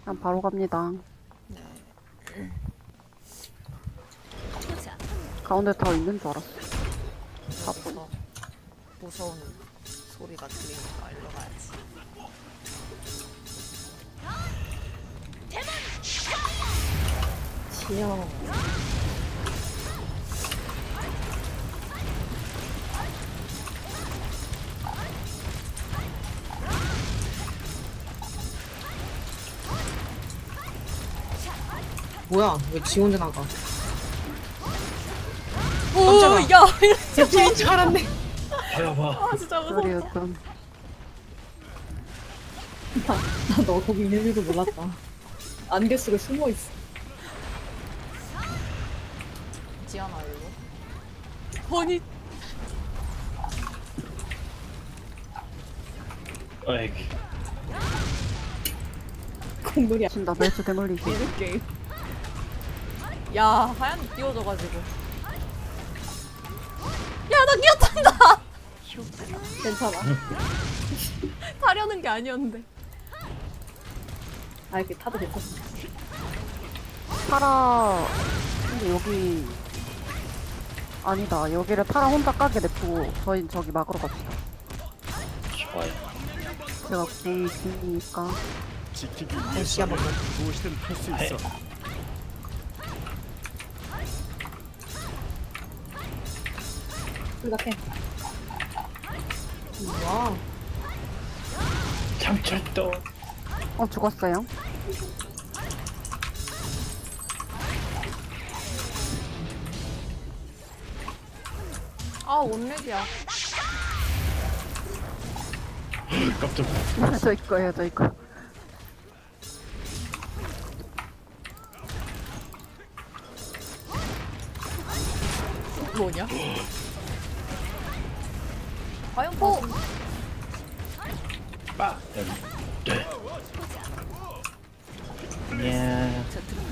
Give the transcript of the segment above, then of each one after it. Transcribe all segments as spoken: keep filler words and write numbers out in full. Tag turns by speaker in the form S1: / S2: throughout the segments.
S1: 그냥 바로 갑니다.
S2: 네.
S1: 가운데 더 있는 줄 알았어.
S2: 여기서 무서운 소리가 들리니까 일로 가야지.
S3: 지영. 뭐야? 왜 지 혼자 나가? 깜짝아.
S2: 오, 야,
S3: 제 팀인 줄 알았네.
S4: 봐봐.
S2: 아, 진짜 무서워.
S1: 소리였던.
S3: 너 거기 있는 줄도 몰랐다. 안개 속에 숨어 있어.
S2: 지연아 일로. 아니,
S4: 아이고.
S3: 공놀이
S1: 친다 멜스 대물리기.
S3: 미드 게임.
S2: 야, 하얀 띄워져가지고. 야, 나 끼었단다.
S3: 괜찮아.
S2: 타려는 게 아니었는데.
S3: 아 이렇게 타도 괜찮아.
S1: 파라. 근데 여기 아니다. 여기를 파라 혼자 까게 냅두고 저희 저기 막으러 갑시다.
S4: 좋아요.
S1: 제가 공이 있으니까.
S5: 지키기
S3: 다시 한번 더.
S5: 무엇이든 할 수 있어.
S3: 생각해. 와.
S4: 참철도.
S1: 어 죽었어요.
S2: 아, 원렉이야.
S4: 깜짝.
S1: 저 이거예요 저 이거.
S2: 뭐냐? 화염포.
S4: 빠. 여기. 네. 야.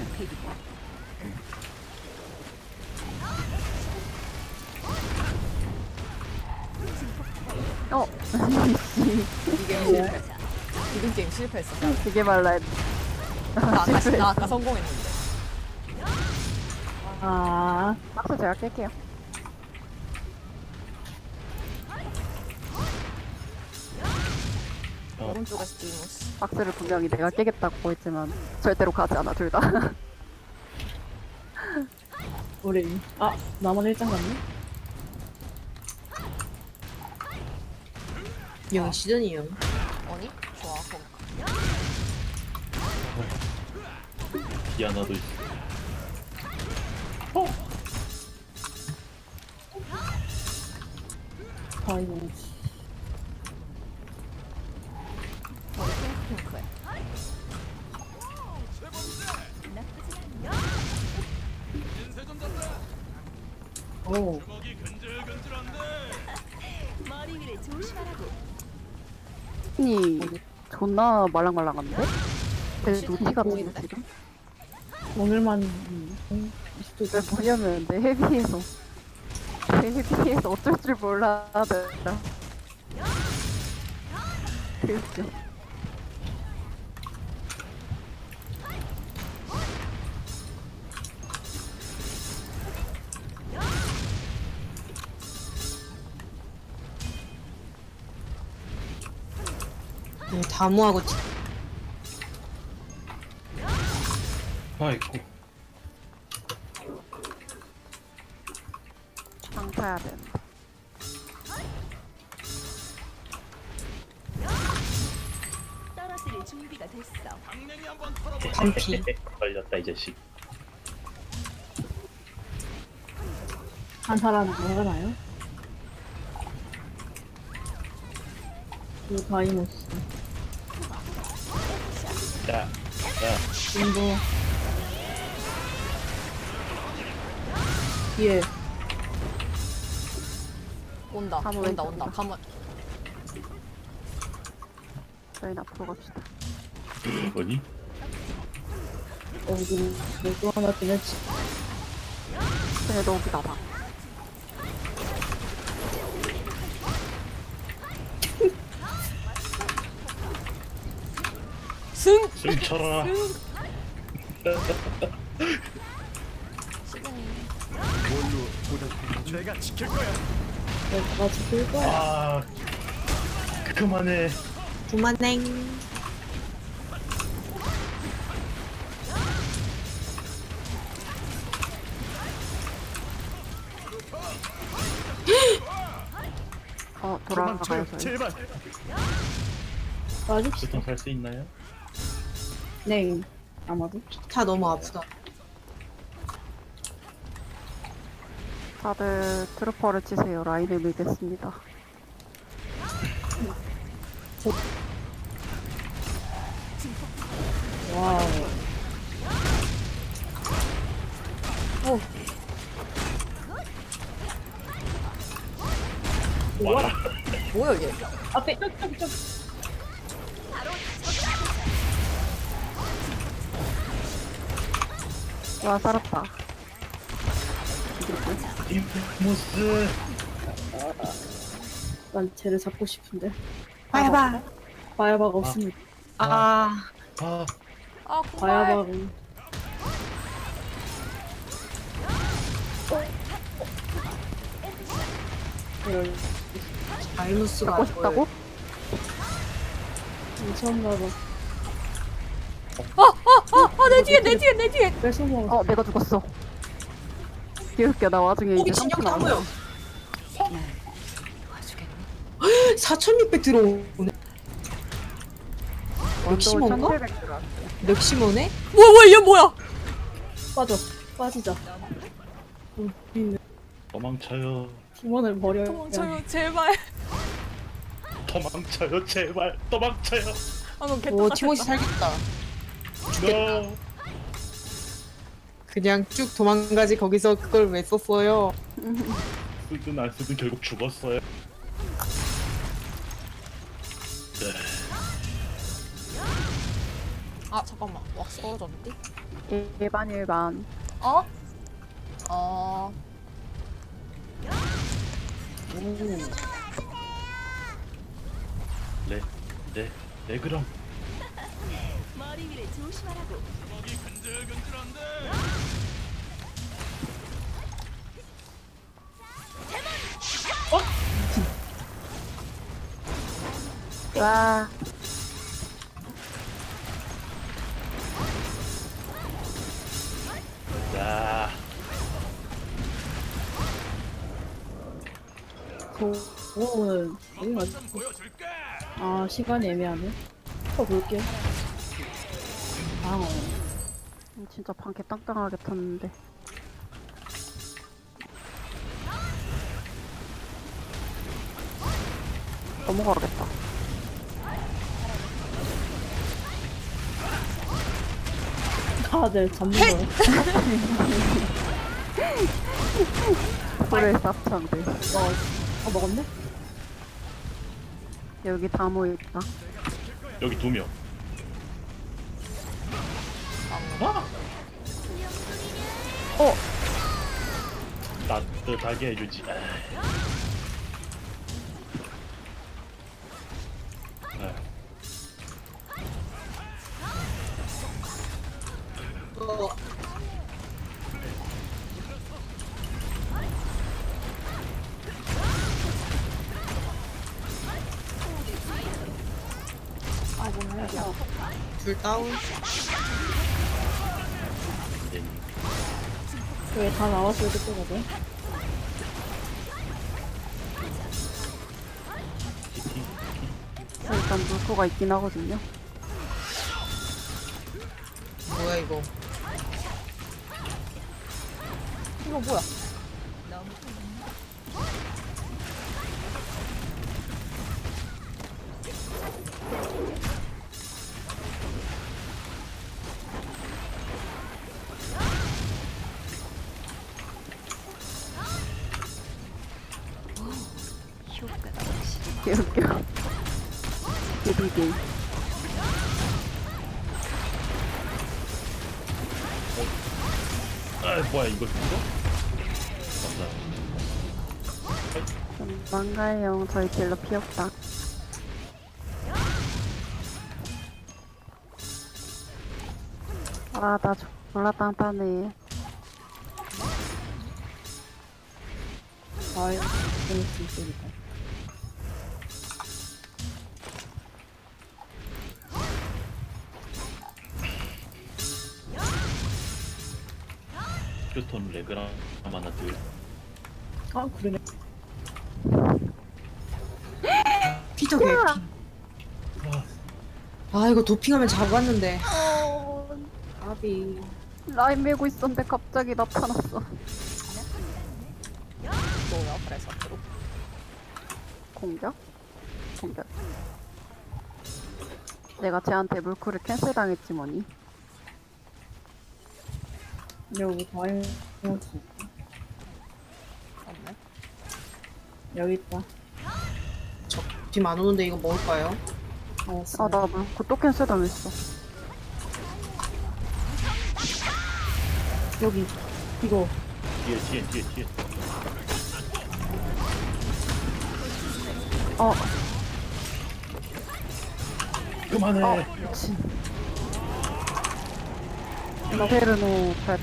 S1: 어.
S2: 이게 뭐야? 이등 게임 실패했어.
S1: 되게 말라 했.
S2: 나 아까, 나 아까 성공했는데.
S3: 아.
S1: 박스 제가 깰게요.
S4: 어.
S2: 오른쪽에서 디모스.
S1: 박스를 분명히 내가 깨겠다고 했지만 절대로 가지 않아 둘 다.
S3: 우리 아 나만 일장 갔네. 영 시전이요.
S2: 아니? 좋아, 그럼.
S4: 디아나도 있어.
S3: 아이고.
S2: 머리 핑크핑크해.
S3: 오.
S1: 이 존나 말랑말랑한데? 내 노티가 너무
S3: 보인다.
S1: 지금.
S3: 오늘만 음,
S1: 왜 보냐면 내 헤비에서 내 헤비에서 어쩔 줄 몰라 내가. 그랬죠.
S3: 네, 다무하고 치-
S4: 아이고.
S1: 장타야 된다.
S6: 떨어뜨릴 준비가 됐어.
S3: 반피.
S4: 걸렸다 이 자식.
S3: 한 사람 뭐하나요? 그 다이모스.
S4: 야. 야.
S3: 인도. 뒤에
S2: 온다,
S1: 가문
S2: 온다,
S1: 왼쪽
S2: 온다.
S1: 온다.
S2: 가문.
S1: 저희는 앞으로 갑시다.
S4: 뭐니?
S3: 어디 또 하나 지냈지.
S1: 그래도 여기다 봐.
S2: 승!
S4: 승쳐라.
S2: 시드니.
S5: 뭘로 보답해? 내가 지킬 거야.
S3: 내가 지킬 거야.
S4: 아, 그만해.
S3: 그만행.
S1: 어
S5: 도망쳐요.
S1: 돌아가요 저희.
S5: 제발.
S3: 맞읍시다.
S4: 보통 살 수 있나요?
S3: 네. 아마도. 다 너무 아프다.
S1: 다들 트루퍼를 치세요. 라인을 밀겠습니다.
S3: 와우.
S4: 와라.
S2: 뭐야 이게?
S3: 앞에 쪽쪽쪽.
S1: 와 살았다.
S4: 인피무스.
S3: 난 쟤를 잡고 싶은데. 바야바. 바야바가 없습니다. 아.
S4: 아,
S2: 아 공발.
S3: 바야바가. 이럴. 알무스가
S1: 잡고 싶다고?
S3: 미쳤나봐.
S2: 아내 뒤에 내 뒤에 내 뒤에.
S3: 뺏어 먹어.
S1: 어 내가 죽었어. 기울게 나 와중에 이제
S3: 진영
S1: 삼 분
S3: 다 모여.
S1: 남았어.
S3: 사천육백 들어오네. 맥시멈가?
S1: 천칠백 들어왔어.
S3: 맥시멈네?
S2: 뭐야 뭐야 얘 뭐야?
S3: 빠져. 빠지자. 우리는
S4: 도망쳐요.
S3: 팀원을 버려야
S2: 도망쳐요 제발.
S4: 도망쳐요, 제발. 도망쳐요.
S2: 아너 개
S3: 오,
S2: 똑같았다.
S3: 티모시 살겠다.
S4: No.
S3: 그냥 쭉 도망가지 거기서 그걸 왜 썼어요?
S4: 쓰든 안 쓰든 결국 죽었어요. 네.
S2: 아 잠깐만 왁스 떨어졌는데?
S1: 일반 일반.
S2: 어? 어.
S4: 네, 네, 네 그럼.
S6: 머리 위를 조심하라고.
S1: 와
S4: 자,
S3: 그거는 어디 가지? 아 시간이 애매하네. 또 볼게. 아
S1: 진짜 방개 땅땅하게 탔는데. 넘어가겠다.
S3: 다들 잡는 거야.
S1: 소리에 쌉창들.
S3: 어, 어 먹었네?
S1: 여기 다 모여있다.
S4: 여기 두 명. 아!
S1: 어!
S4: 따뜻하게 해주지. 아,
S3: 어. 둘 다운.
S4: 이제
S3: 왜 다 나왔을 때 거든?
S1: 일단 물고가 있긴 하거든요.
S3: 뭐야 이거?
S2: 이거 뭐야?
S1: 개웃겨. 개비비.
S4: 아, 뭐야 이거 죽어? 감사합니다.
S1: 망가요. 저희 딜러 피 없다. 아, 나 졸라 단단해.
S3: 아이, 그럴 수 있으니까.
S4: 휴톤 레그랑 하나 둘.
S3: 아, 그러네. 피터 개피. 아, 이거 도핑하면 잡았는데. 아비.
S1: 라인 메고 있었는데 갑자기 나타났어.
S2: 뭐야 그래서 앞으로.
S1: 공격? 공격. 내가 쟤한테 물쿨을 캔슬 당했지 뭐니.
S3: 여기 과일 넣었어.
S2: 없네.
S3: 여기 있다.
S7: 빔 안 오는데 이거 먹을까요?
S3: 어,
S1: 아, 나 물쿨 또 캔슬 당했어.
S3: 여기. 이거.
S4: 뒤에 뒤에 뒤에 뒤에.
S1: 어,
S4: 그만해.
S1: 어, 미친. 이페르노 발.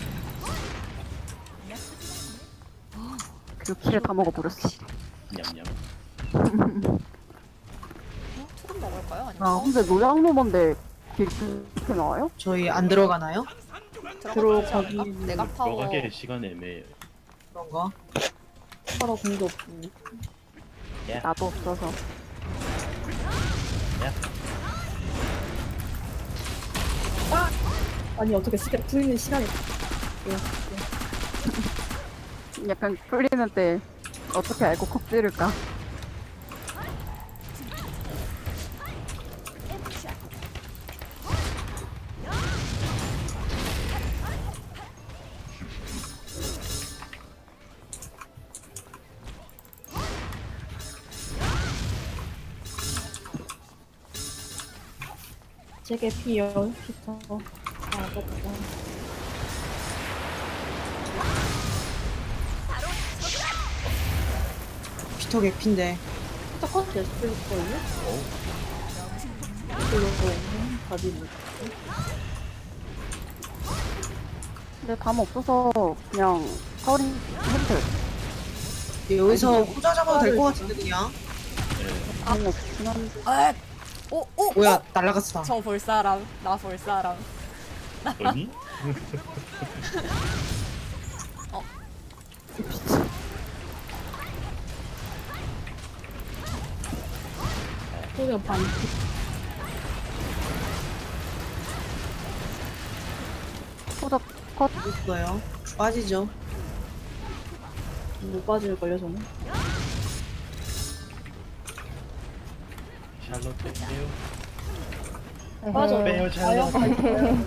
S1: 그 키를 다 먹어버렸어.
S4: 냠냠.
S2: 어? 투름 먹을까요? 아니면
S1: 아, 근데 노양로먼데 이렇게 나와요?
S7: 저희 안 들어가나요?
S2: 들어가지
S3: 들어가기-
S2: 않을까? 내가 타워
S4: 들어가게 시간 애매해요.
S7: 그런가?
S3: 서로 공도 없고.
S1: 나도 없어서.
S4: 야.
S3: 아니, 어떻게 시간, 풀리는 시간이.
S1: 약간 풀리는 때 어떻게 알고 콕 찌를까?
S3: 제게 피요, 피터. 아, 맞다.
S7: 피터 개피인데.
S3: 피터 컷 됐을 거예요? 이거 답이 뭐?
S1: 근데 담 없어서 그냥 서린 해도 돼.
S7: 여기서 후자 잡아도 될 것 같은데 그냥.
S1: 담 없긴 한데.
S2: 아! 오! 오!
S7: 뭐야 날라갔어.
S2: 저 볼 사람 나 볼 사람
S4: 아니?
S3: 소리가 반.
S1: 호적 컷.
S7: 있어요. 빠지죠.
S3: 못 빠질걸요, 저는?
S4: 샬롯 뺄게요.
S3: 빠져.
S4: 빼요 샬롯.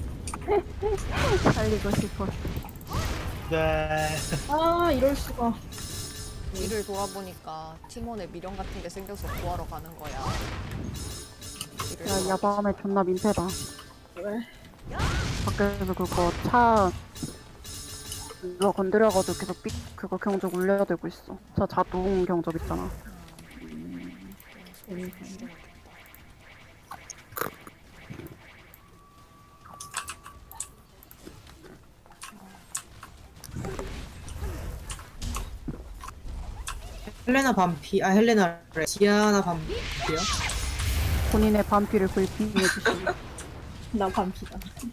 S1: 살리고 싶어.
S4: 네.
S3: 아, 이럴 수가.
S2: 일을 돌아보니까 팀원에 미련 같은 게 생겨서 구하러 가는 거야. 일을
S1: 야,
S2: 돌아보지.
S1: 야밤에 존나 민폐다.
S3: 그래.
S1: 밖에서 그거 차 이거 건드려가지고 계속 삑 그거 경적 울려대고 있어. 저 자동 경적 있잖아.
S7: 헬레나 반피. 아 헬레나래. 디아나 반피요?
S1: 본인의 반피를 불핑해 주시고.
S3: 나 반피다.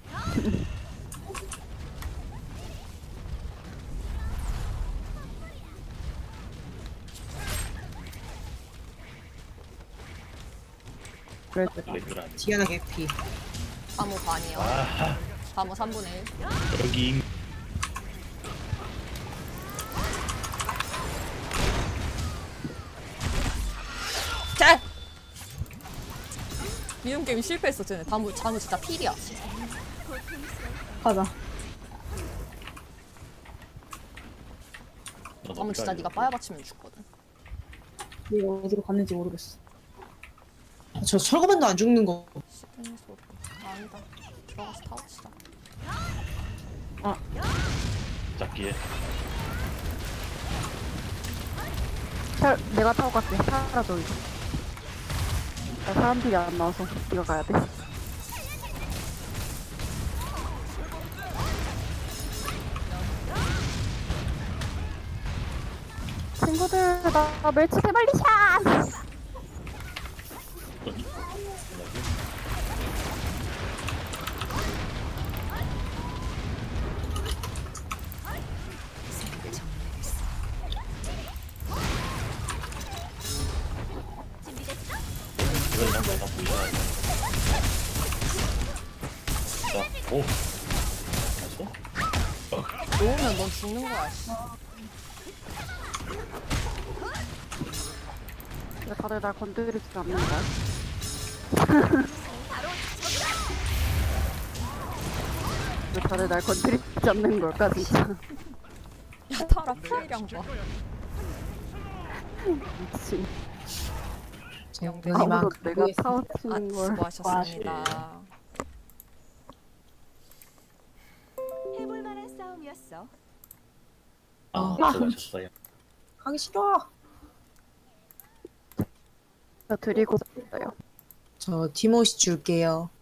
S1: 그랬더라.
S4: 레그랑.
S7: 디아나 개피.
S2: 바모 반이요.
S4: 아
S2: 바모 삼분의 일.
S4: 여기
S2: 자! 미움 게임 실패했어 쟤네. 다무 자무 진짜 필이야.
S3: 가자.
S2: 다무 진짜 네가 빠야 받치면 죽거든.
S3: 얘가 어디로 갔는지 모르겠어.
S7: 아, 저 철거반도 안 죽는 거.
S2: 시드니 소리. 아, 아니다. 들어가서 타워치자.
S4: 잡기에.
S1: 차, 내가 타고 갈게. 사라져 이거. 나 사람들이 안 나와서 네가 가야 돼. 친구들 나 멸치 세발리 샷!
S4: 어디? 뭐라고? 이걸 한번 다 보자. 자, 오. 봤어?
S2: 놓으면 넌 죽는 거야. 씨.
S1: 왜 다들 날 건드리지 않는 거야? 왜 다들 날 건드리지 않는 걸까 진짜.
S2: 야 타라 피해량 봐.
S1: 미친.
S7: 정근이만
S1: 아무도
S7: 갖고
S1: 내가
S7: 있어.
S2: 아
S1: 파워치는 걸.
S2: 수고하셨습니다.
S6: 해볼 만한 싸움이었어.
S4: 아,
S7: 아.
S4: 수고하셨어요.
S7: 하기 싫어.
S1: 저 드리고 싶어요.
S7: 저 티모시 줄게요.